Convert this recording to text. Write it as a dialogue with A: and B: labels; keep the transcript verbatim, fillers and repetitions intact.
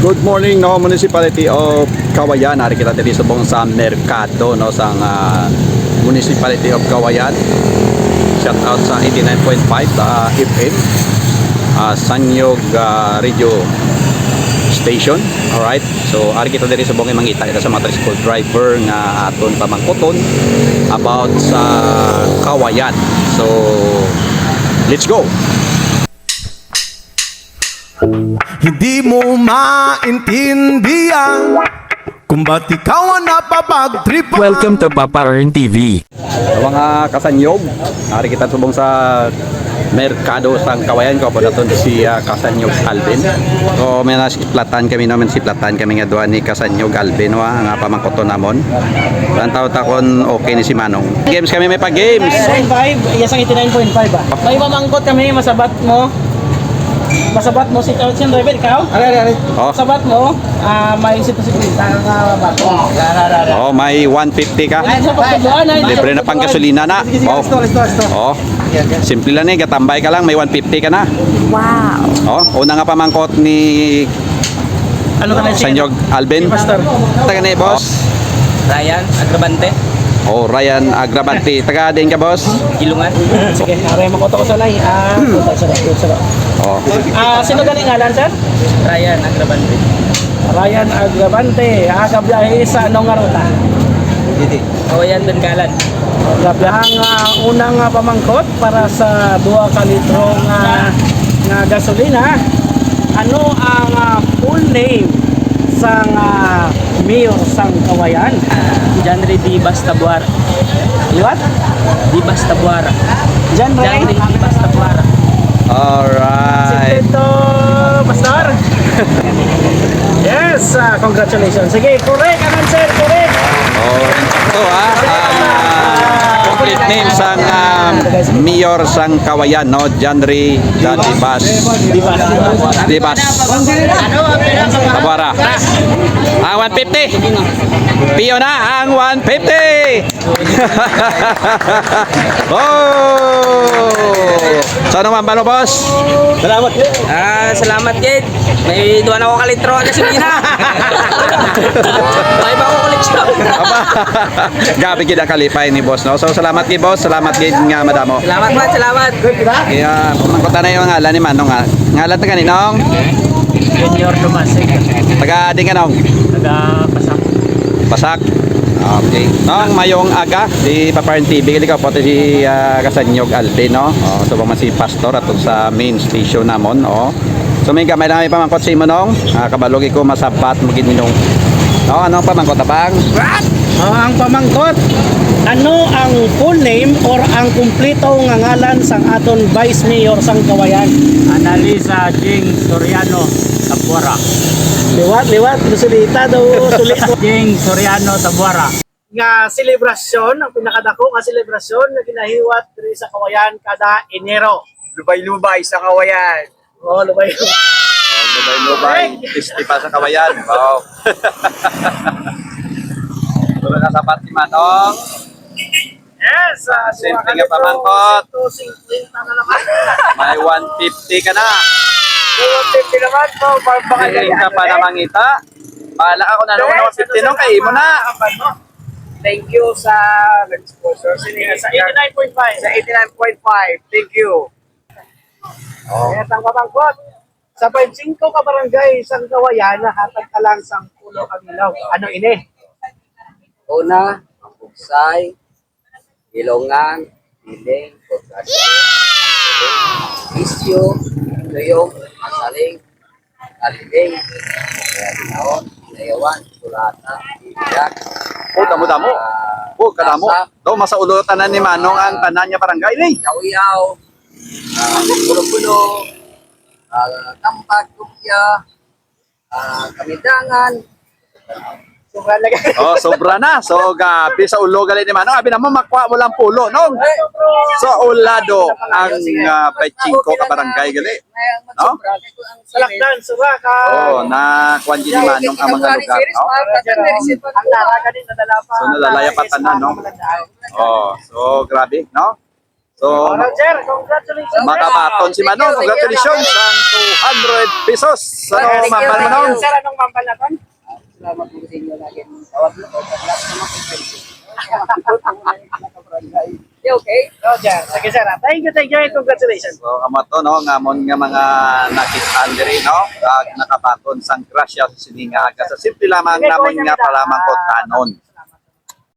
A: Good morning no Municipality of Cauayan. Hari kita diri subong sa merkado no sang uh, Municipality of Cauayan. Shout out sa eighty-nine point five uh, F M uh, Sanyog uh, Radio Station. Alright. So hari kita diri subong mangita kita sa mga tricycle driver nga aton pamangkoton about sa Cauayan. So let's go.
B: Hindi mo maintindihan kung ba't ikaw ang napapagtripan.
C: Welcome to Papa Earn T V.
A: So, mga kasanyog, hari kita subong sa merkado sa Cauayan ko po naton si uh, Kasanyog Alvin. So may nasiplatan kami naman siplatan kami nga duha ni Kasanyog Alvin wa nga pamangkoton namon. Ang taw takon okay ni si Manong. Games kami may pa games.
D: eighty-nine point five, yes ang eighty-nine point five ba? May mamangkot kami, masabat mo. Masabat mo si Council Driver, ikaw? Ari, ari, ari.
A: Oh.
D: Masabat mo, ah may sito-sito nga bato.
A: Oh, may one fifty ka.
D: Ay, sa pagkabuan ay.
A: Libre na pang gasolina na. Oh. Oh. Simple lang eh, gatambay ka lang, may one fifty ka na.
C: Wow.
A: Oh, una nga pamangkot ni
D: Ano ka na siya?
A: Kasanyog Alvin.
D: Pastor.
A: Taga ni boss.
E: Ryan Agrabante,
A: Oh, Ryan Agrabante. Taga din ka boss.
E: Gilungan.
D: Sige, aray makoto ko sa lay. Ah, sa sa sa.
A: Oh.
D: Ah, sino galing ngalan, sir?
E: Ryan Agrabante.
D: Ryan Agravante, aga biyahe sa anong nga ruta?
E: Didi. Kawayan Bengkalan.
D: Ang uh, unang uh, pamangkot para sa dua ka litro nga, nga gasolina. Ano ang uh, full name sang uh, mayor sang Cauayan?
E: Janre Di Bastabuara.
D: Liwat?
E: Di Bastabuara.
D: Janre?
E: Janre Di Bastabuara.
A: Alright.
D: Ito, Pastor. Yes, uh, congratulations. Sige, correct ang answer, correct.
A: Oh, ito ha. Ang uh, complete name sang uh, Mayor sang Cauayan, no? Janry Dadibas.
D: Dibas.
A: Dibas. Tabara. Ang one fifty. Piyo na ang one fifty. Oh! So naman ba no, boss?
D: Salamat.
E: Ah, salamat kid. May duwan ako kalitro na gasolina. May ba ako koleksyon?
A: Aba. Gabi gid ang kalipay ni boss, no? So salamat kay boss, salamat gid nga madamo.
E: Salamat man, salamat.
A: Kaya pamangkota na yung ngalan ni Manong nga. Ngalan ta kaninong?
D: Junior Dumasig.
A: Taga din ka nong?
D: Taga Pasak.
A: Pasak. Okay. Nong mayong aga di Papa Earn T V kili ka pati si uh, Kasanyog Alvin, no? Oh, so man si pastor atong sa main station namon, oh. So may gamay na may pamangkot si mo nong. Ah, kabalogi ko masapat mo gid minong. No, anong pamangkot abang?
D: Oh, ang pamangkot. Ano ang full name or ang kumpleto nga ngalan sang aton Vice Mayor sang Cauayan?
E: Analisa Jing Soriano Tabuara.
D: Liwat, liwat, susulita daw, sulit.
E: Jing Soriano Tabuara.
D: Nga selebrasyon, ang pinakadako nga selebrasyon na ginahiwat diri sa Cauayan kada Enero.
E: Lubay-lubay sa Kawayan.
D: Oh, lubay.
A: Lubay-lubay, festival sa Cauayan. Wow. Tulad na sapat ni Manong.
D: Yes, uh,
A: Simple nga pamangkot.
D: two fifty na naman.
A: May one fifty ka na.
D: two fifty naman po, baka
A: Galing ka pa na mangita. Bahala ako na nung one fifty nung kay mo na.
D: Thank you sa nag-sponsor sa eighty-nine point five. Sa eighty-nine point five. Thank you. Oh. Kaya ang pamangkot. Sa five five ka barangay sa Cauayan, hatag ka lang sa pulo ang ilaw. Ano ini?
E: Una, Bugsay, Ilongan, Piling, Pagkasya, Isyo, Tuyong, Masaling, Kalibing, Kayanaon, Layawan, Sulata, Ibiyak.
A: Oh, damo-damo. Oh, kadamo. Do masaulo tanan ni Manong ang tanan niya barangay ni.
E: Yaw-yaw, Pulo-pulo, Tampak, Kupya, Kamidangan,
D: Sobrang lagay.
A: Oh, sobra na. So gabi sa ulo gali ni Manong. Abi namo makwa mo lang pulo nong. So ulado ang uh, five ka barangay gali. No?
D: Salakdan, sura ka.
A: Oh, na kwan ni Manong ang mga lugar, no?
D: Ang laraga din nadala pa.
A: So nalalaya pa tanan, no? Oh, so grabe, no? So So,
D: Oh, Roger, congratulations.
A: makabaton si Manong. Congratulations ang two hundred pesos. Ano,
E: Thank you,
A: mapal
E: thank
A: Manong?
E: you.
D: Sir, anong mampal na ton?
E: Salamat po sa inyo lagi. Tawag na po. Paglas na mag-expensive. Okay.
D: Roger, sige sir. ah. Thank you, thank you, and congratulations.
A: So, amo to, no, ngamon nga mga nakita diri, no, kag nakabaton sang grasya sa sininga. Aga sa simple lamang namon nga palamang ko tanon.